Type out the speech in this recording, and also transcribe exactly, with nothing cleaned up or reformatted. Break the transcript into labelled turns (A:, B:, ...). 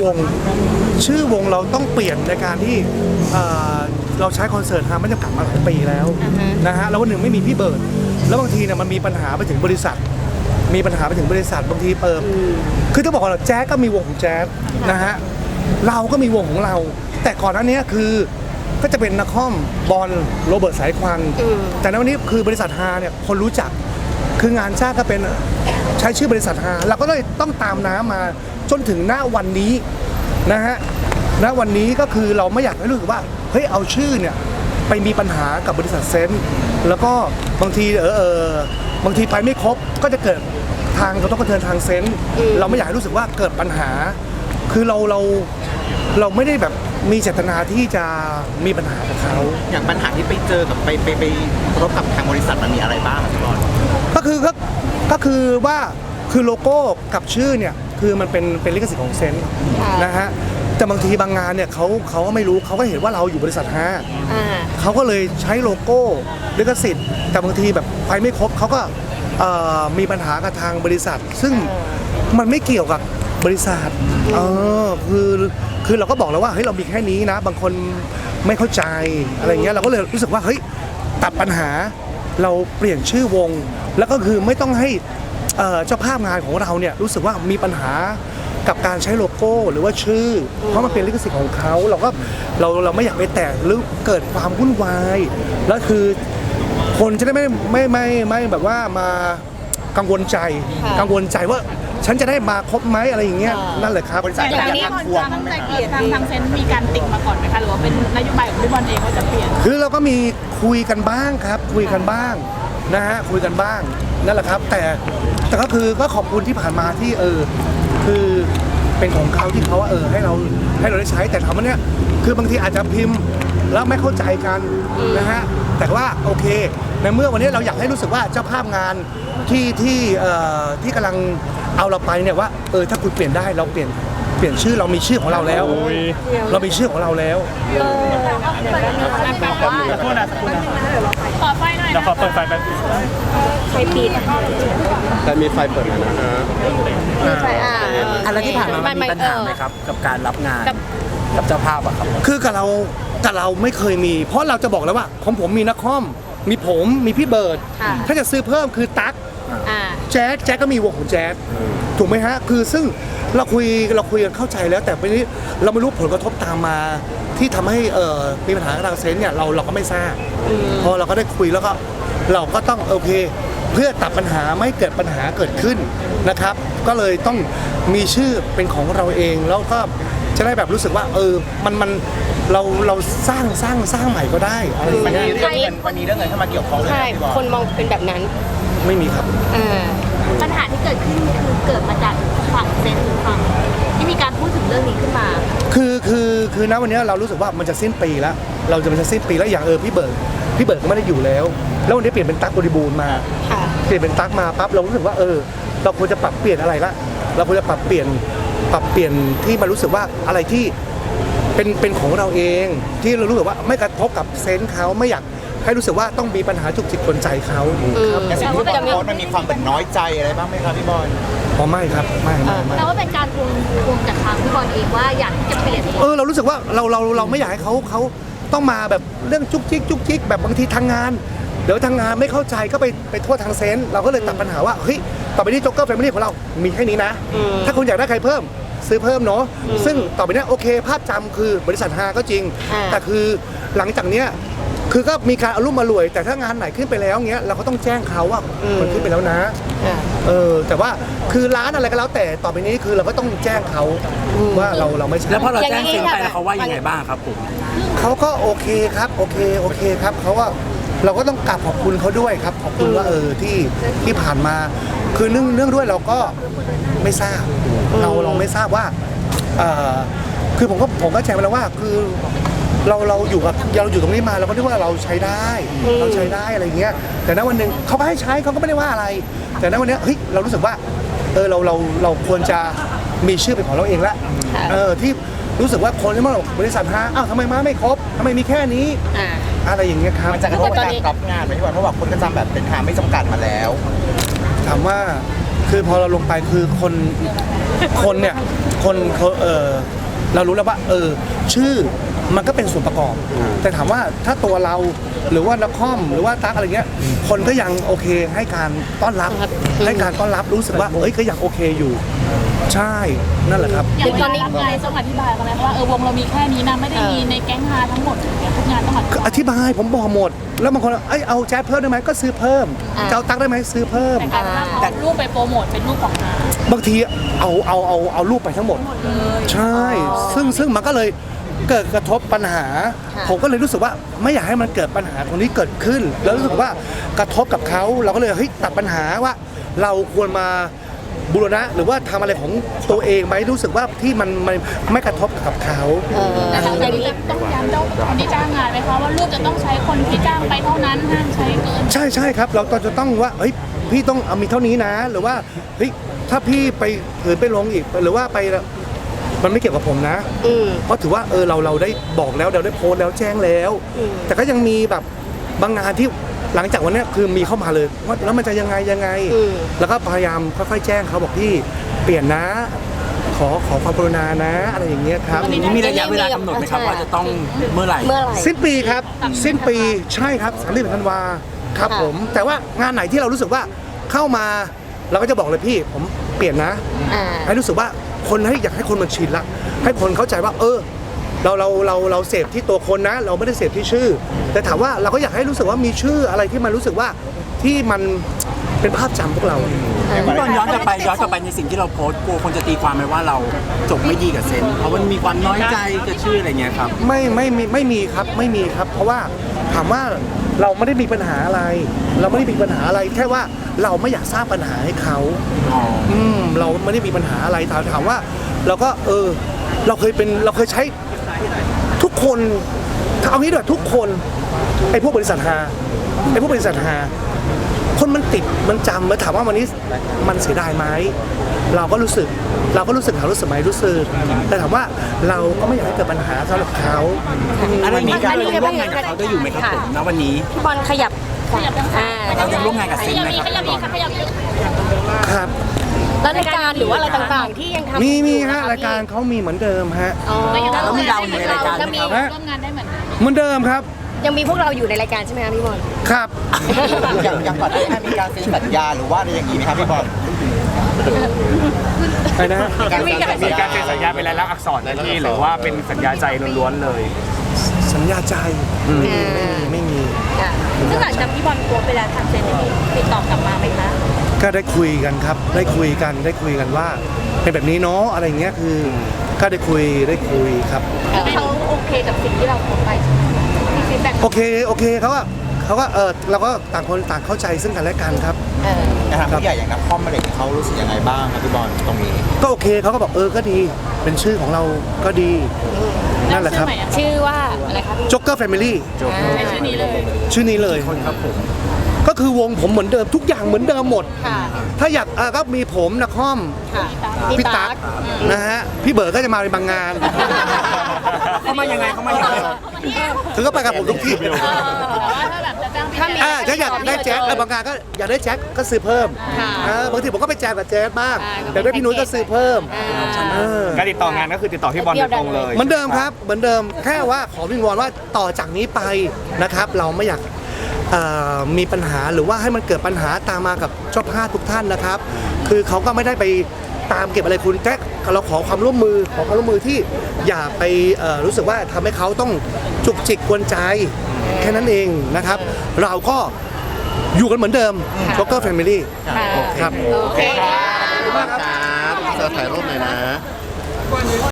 A: วงชื่อวงเราต้องเปลี่ยนในการที่เราใช้คอนเสิร์ตฮาไม่จำกัดมาหลายปีแล้วนะฮะแล้ววันหนึ่งไม่มีพี่เบิร์ดแล้วบางทีเนี่ยมันมีปัญหาไปถึงบริษัทมีปัญหาไปถึงบริษัทบางทีเปิดคือต้องบอกว่าแจ๊สก็มีวงของแจ๊สนะฮะเราก็มีวงของเราแต่ก่อนหน้านี้คือก็จะเป็นนักคอมบอลโรเบิร์ตสายควันแต่ในวันนี้คือบริษัทฮาเนี่ยคนรู้จักคืองานจ้างก็เป็นใช้ชื่อบริษัทฮาเราก็เลยต้องตามน้ำมาจนถึงหน้าวันนี้นะฮะณวันนี้ก็คือเราไม่อยากให้รู้สึกว่าเฮ้ยเอาชื่อเนี่ยไปมีปัญหากับบริษัทเซนต์แล้วก็บางทีเออเออบางทีไปไม่ครบก็จะเกิดทางกระทบกระเทือนทางเซนต์เราไม่อยากให้รู้สึกว่าเกิดปัญหาคือเราเราเราไม่ได้แบบมีเจตนาที่จะมีปัญหากับเขา
B: อย่างปัญหาที่ไปเจอกับไปไปไปพบกับทางบริษัทมันมีอะไรบ้างครับพี่บอล
A: ก็คือก็ก็คือว่าคือโลโก้กับชื่อเนี่ยคือมันเป็นเป็นลิขสิทธิ์ของเซนต์นะฮะแต่บางทีบางงานเนี่ยเขาเขาก็ไม่รู้เขาก็เห็นว่าเราอยู่บริษัทฮาเขาก็เลยใช้โลโก้ลิขสิทธิ์แต่บางทีแบบไปไม่ครบเขาก็มีปัญหากับทางบริษัทซึ่งมันไม่เกี่ยวกับบริษัทเออคือคือเราก็บอกแล้วว่าเฮ้ยเรามีแค่นี้นะบางคนไม่เข้าใจอะไรเงี้ยเราก็เลยรู้สึกว่าเฮ้ยตัดปัญหาเราเปลี่ยนชื่อวงแล้วก็คือไม่ต้องให้เจ้าภาพงานของเราเนี่ยรู้สึกว่ามีปัญหากับการใช้โลโก้หรือว่าชื่อเพราะมันเป็นลิขสิทธิ์ของเขาเราก็เราเราไม่อยากไปแตะหรือเกิดความวุ่นวายแล้วคือคนจะได้ไม่ไม่ไม่ไม่แบบว่ามากังวลใจกังวลใจว่าฉันจะได้มาครบไหมอะไรอย่างเงี้ยนั่นแหละครับ
C: บริษัทอยากทำควงตั้งใจเปลี่ยนทางทางเซนมีการติ่งมาก่อนไหมคะหรือว่าเป็นนโยบายของพี่บอลเองว่าจะเปลี่ยน
A: คือเราก็มีคุยกันบ้างครับคุยกันบ้างนะฮะคุยกันบ้างนั่นแหละครับแต่แต่ก็คือก็ขอบคุณที่ผ่านมาที่เออคือเป็นของเขาที่เขาว่าเออให้เราให้เราได้ใช้แต่ถามว่าเนี่ยคือบางทีอาจจะพิมพ์แล้วไม่เข้าใจกันนะฮะแต่ว่าโอเคในเมื่อวันนี้เราอยากให้รู้สึกว่าเจ้าภาพงานที่ที่เอ่อที่กำลังเอาเราไปเนี่ยว่าเออถ้าคุณเปลี่ยนได้เราเปลี่ยนเปลี่ยนชื่อเรามีชื่อของเราแล้วเรามีชื่อของเราแล้ว
C: สักครู่นะสักครู่นะขอไฟหน่อย
D: เดี๋ยวขอเปิดไฟแป๊บ
C: ไฟปิด
E: แต่มีไฟเปิดนะฮะ
C: ไฟอ่า
D: อะไรที่ผ่านมามันมีปัญหาไหมครับกับการรับงานกับเจ้าภาพอะครับ
A: คือกับเรากับเราไม่เคยมีเพราะเราจะบอกแล้วว่าของผมมีนักคอมมีผมมีพี่เบิร์ดถ้าจะซื้อเพิ่มคือตั๊กแจ๊สแจ๊สก็มีวงของแจ๊สถูกไหมฮะคือซึ่งเราคุยเราคุยกันเข้าใจแล้วแต่วันนี้เราไม่รู้ผลกระทบตามมาที่ทำให้เอ่อมีปัญหาทางเซนส์เนี่ยเราเราก็ไม่ทราบพอเราก็ได้คุยแล้วก็เราก็ต้องโอเคเพื่อตัดปัญหาไม่เกิดปัญหาเกิดขึ้นนะครับก็เลยต้องมีชื่อเป็นของเราเองแล้วก็จะได้แบบรู้สึกว่าเออมันมันเราเราสร้างสร้างสร้างใหม่ก็ได้อะไรอย่างเงี้ย
B: มันมีเรื่องเงินมันมีเรื่องเงินเข้ามาเกี่ยวข้องเลย
C: ใช่คนมองเป็นแบบนั้น
A: ไม่มีครับ
F: ปัญหาที่เกิดขึ้นคือเกิดมาจากฝั่งเซนหรือฝั่งที่มีการพูดถึงเรื่องนี้ขึ้นมา
A: คือคือคือณวันนี้เรารู้สึกว่ามันจะสิ้นปีแล้วเราจะมันจะสิ้นปีแล้วอย่างเออพี่เบิร์ดพี่เบิร์ดก็ไม่ได้อยู่แล้วแล้ววันนี้เปลี่ยนเป็นตั๊กบริบูรณ์มาเปลี่ยนเป็นตั๊กมาปั๊บเรารู้สึกว่าเออเราควรจะปรับเปลี่ยนอะไรละเราควรจะปรับเปลี่ยนปรับเปลี่ยนที่มารู้สึกว่าอะไรที่เป็นเป็นของเราเองที่เรารู้สึกว่าไม่กระทบกับเซนส์เขาไม่อยากให้รู้สึกว่าต้องมีปัญหาจุกจิกกวนใจเขา
B: ครับแต่สิ่งที่พี่บอลโพสต์มันมีความเป็นน้อยใจอะไรบ้างไหมครับพี่บอล
A: อ๋อไม่ครับไม่ไม่
F: แต่ว่าเป็นการทวงทวงจากทางพี่บอลเองว่าอยากที่จะเปลี่ยน
A: เออเรารู้สึกว่าเราเราเราไม่อยากให้เขาเขาต้องมาแบบเรื่องจุกจิกจุกจิกแบบบางทีทางงานเดี๋ยวทางงานไม่เข้าใจก็ไปไปโทษทางเซนส์เราก็เลยตัดปัญหาว่าเฮ้ยต่อไปนี้โจ๊กเกอร์แฟมิลี่ของเรามีแค่นี้นะถ้าคุณอยากได้ใครเพิ่มซื้อเพิ่มเนาะซึ่งต่อไปนี้โอเคภาพจำคือบริษัทฮาก็จริงแต่คือหลังจากเนี้ยคือก็มีการอารมณ์มารวยแต่ถ้างานไหนขึ้นไปแล้วเงี้ยเราก็ต้องแจ้งเขาว่ามันขึ้นไปแล้วนะเออแต่ว่าคือร้านอะไรก็แล้วแต่ต่อไปนี้คือเราก็ต้องแจ้งเขาว่าเราเราไม่ใช่
D: แล้วพอเราแจ้งเซ็นไปแล้วเขาว่ายังไงบ้างครับผม
A: เขาก็โอเคครับโอเคโอเคครับเขาว่าเราก็ต้องกราบขอบคุณเขาด้วยครับขอบคุณว่าเออที่ที่ผ่านมาคือเนื่องเนื่องด้วยเราก็ไม่ทราบเราเราไม่ทราบว่าเออคือผมก็ผมก็แจ้งไปแล้วว่าคือเราเราอยู่กับเราอยู่ตรงนี้มาเราก็นึกว่าเราใช้ได้เราใช้ได้อะไรเงี้ยแต่ณวันหนึ่งเขาก็ให้ใช้เขาก็ไม่ได้ว่าอะไรแต่ณวันนี้เฮ้ยเรารู้สึกว่าเออเราเราเราควรจะมีชื่อเป็นของเราเองละเออที่รู้สึกว่าคนที่มาบริษัทฮาอ้าวทำไมมาไม่ครบทำไมมีแค่นี้อะไรอย่างเงี้ยครับ
B: มันจะกระทบการรับงานไหมพี่บอลเพราะว่าคนก็จำแบบเป็นฮาไม่จำกัดมาแล้ว
A: ถามว่าคือพอเราลงไปคือคนคนเนี่ยคนเขาเออเรารู้แล้วว่าเออชื่อมันก็เป็นส่วนประกอบ แต่ถามว่าถ้าตัวเราหรือว่านักคอมหรือว่าตั๊กอะไรเงี้ยคนก็ยังโอเคให้การต้อนรับให้การต้อนรับรู้สึกว่าเอ้ยก็ยังโอเคอยู่ ใช่นั่นแหละครับ
C: อย่างตอนนี้งานต้องอธิบายกันไหมว่าเออวงเรามีแค่นี้นะไม่ได้มีในแก๊งฮาทั้งหมดอย่างเงี้ยทุกงานต้องอธิบาย
A: อธิบายผมบอกหมด แล้วบางคนเอ้ยเอาแจ๊สเพิ่มได้ไหมก็ซื้อเพิ่มจะเอาตั๊กได้ไหมซื้อเพิ่ม
C: แต่การเอารูปไปโปรโมทเป็นรูปของฮา
A: บางทีเอาเอาเอาเอารูปไปทั้งหมด ใช่ ซึ่งซึ่งมันก็เลยเกิดกระทบปัญหา ผมก็เลยรู้สึกว่าไม่อยากให้มันเกิดปัญหาตรงนี้เกิดขึ้น แล้วรู้สึกว่ากระทบกับเขาเราก็เลยเฮ้ยตัดปัญหาว่า เราควรมาบูรณะหรือว่าทำอะไรของตัวเองไหมรู้สึกว่าที่มันไม่ไม่กระทบกับเขา
C: แต่ทางนี้ต้องย้ำเจ้าคนที่จ้างงานไหมคะว่ารูปจะต้องใช้คนที่จ้างไปเท่านั้นห้ามใช้เกิน
A: ใช่ใช่ครับ เราตอนจะต้องว่าเฮ้ยพี่ต้องเอามีเท่านี้นะ หรือว่าเฮ้ยถ้าพี่ไปถือไปลงอีกหรือว่าไปมันไม่เกี่ยวกับผมนะเพราะถือว่าเออเราเราได้บอกแล้วเราได้โพสต์แล้วแจ้งแล้ว แต่ก็ยังมีแบบบางงานที่หลังจากวันนี้คือมีเข้ามาเลยว่าแล้วมันจะยังไงยังไง แล้วก็พยายามค่อยๆแจ้งเขาบอกพี่เปลี่ยนนะ ขอขอความกรุณานะอะไรอย่างเงี้ยครับ
D: อันนี้มีระยะเวลากำหนดไหมครับว่าจะต้องเมื่อไหร่
F: เมื่อไหร่
A: สิ้นปีครับ สิ้นปีใช่ครับสามสิบธันวาครับผม แต่ว่างานไหนที่เรารู้สึกว่าเข้ามาเราก็จะบอกเลยพี่ผมเปลี่ยนนะ
F: อ่า
A: ให้รู้สึกว่าคนให้อยากให้คนมันชินละให้คนเข้าใจว่า เออ เราเราเราเราเสพที่ตัวคนนะ เราไม่ได้เสพที่ชื่อ แต่ถามว่าเราก็อยากให้รู้สึกว่ามีชื่ออะไรที่มันรู้สึกว่าที่มันเป็นภาพจำพวกเรา
D: พี่บอลย้อนกลับไปย้อนกลับไปในสิ่งที่เราโพสต์กลัวคนจะตีความไหมว่าเราจบไม่ดีกับเซนเพราะมันมีความน้อยใจกับชื่ออะไรเงี้ยครับ
A: ไม่ไม่ไม่ไม่มีครับไม่มีครับ เพราะว่าถามว่าเราไม่ได้มีปัญหาอะไร เราไม่ได้มีปัญหาอะไรแค่ว่าเราไม่อยากสร้างปัญหาให้เขา
D: อ๋อ
A: อืมเราไม่ได้มีปัญหาอะไรถามถามว่าเราก็เออเราเคยเป็นเราเคยใช้ทุกคนเอางี้ด้วยทุกคนไอ้พวกบริษัทฮาไอ้พวกบริษัทฮาคนมันติดมันจำแล้วถามว่าวันนี้มันเสียดายไหมเราก็รู้สึกเราก็รู้สึกเขารู้สึกไหมรู้สึกแต่ถามว่าเราก็ไม่อยากให้เกิดปัญหาสำหรับเขา
D: อะไรมีการร่วมงานกับเขาได้อยู่ไหมครับผมณวันนี้
F: พี่บอลขยับอ่า
D: เรายังร่วมงานกับเซนไหมครับ
C: ขยับอีกค่ะขยับอีก
A: ครับ
F: แล้วรายการหรือว่าอะไรต่างๆ ที่ยังทำ
A: มีมี
F: อยู่น
A: ฮะ
F: ค
A: รายการเขามีเหมือนเดิมฮะ
F: อ๋อ
D: แล้วมีเราอยู่ในรายการไหมครับ
A: ฮะ
C: ร่วมงานได้เหมือนกัน
A: เหมือนเดิมครับ
F: ยังมีพวกเราอยู่ในรายการใช่ไหมคะพี่บอล
A: ครับ
B: อย่างอย่างก่อนหน้านี้มีการเซ็นสัญญาหรือว่าอะไรอย่างนี้ไหมครับพี่บอล
A: ไปนะฮะ
B: การ
G: มีการเซ็นสัญญาเป็นลายลักษณ์อักษรนะพี่หรือว่าเป็นสัญญาใจล้วนๆเลย
A: สัญญาใจไม่มีไม่มี
F: ซึ่งหลังจากพี่บอลโพสต์ไปแล้วทางเซนได้ติดต่อกลับมาไหมคะ
A: ก็ได้คุยกันครับ ได้คุยกันได้คุยกันว่าเป็นแบบนี้เนาะอะไรเงี้ยคือก็ได้คุยได้คุยครับ
F: เขาโอเคกับสิ่งที่เราโพสต์ไปมีฟีดแบ็ก
A: โอเคโอเคเขาก็เขาก็เออเราก็ต่างคนต่างเข้าใจซึ่งกันและกันครับ
B: นะครับผู้ใหญ่อย่างนักคอมมาเด็กเขารู้สึกยังไงบ้างครับพี่บอลตรงนี้
A: ก็โอเคเขาก็บอกเออก็ดีเป็นชื่อของเราก็ดีนั่นแหละครับ
F: ชื่อว่าอะไรคะพี่
A: จ็อกเกอร์แฟมิลี่
C: ใช้ชื่อนี้เลย
A: ชื่อนี้เลย
D: ครับผม
A: ก็คือวงผมเหมือนเดิมทุกอย่างเหมือนเดิมหมด
F: ค่ะ
A: ถ้าอยากอ่ะก็มีผมนะคอม
F: ค่ะ
A: พี่ตั๊กนะฮะพี่เบิร์ดก็จะมาในบางงาน
D: เขามายังไงเขามายังไง
A: คือก็ไปกับผมทุกที่
C: แต่ว่าถ้าแบบจะจ้างพี่
F: ถ้ามี
A: อ่าถ้าอยากได้แจ๊สเออบางงานก็อยากได้แจ๊สก็ซื้อเพิ่ม
F: ค่ะ
A: อ่าบางทีผมก็ไปแจมกับแจ๊สบ้าง
F: อ่า
A: แต่ได้พี่นุ้ยก็ซื้อเพี่ม
F: อ่า
A: เออ
G: การติดต่องานก็คือติดต่อพี่บอลโดยตรงเลย
A: เหมือนเดิมครับเหมือนเดิมแค่ว่าขอวิงวอนว่าต่อจากนี้ไปนะครับ เราไม่อยากเอ่อมีปัญหาหรือว่าให้มันเกิดปัญหาตามมากับเจ้าภาพทุกท่านนะครับ คือเขาก็ไม่ได้ไปตามเก็บอะไรคุณแค่เราขอความร่วมมือขอความร่วมมือที่อย่าไปเอ่อรู้สึกว่าทำให้เขาต้องจุกจิกกวนใจแค่นั้นเองนะครับ เราก็อยู่กันเหมือนเดิม Joker Family ครับ
F: โอเคค่ะ
E: ครับเจอถ่ายรูปหน่อยนะ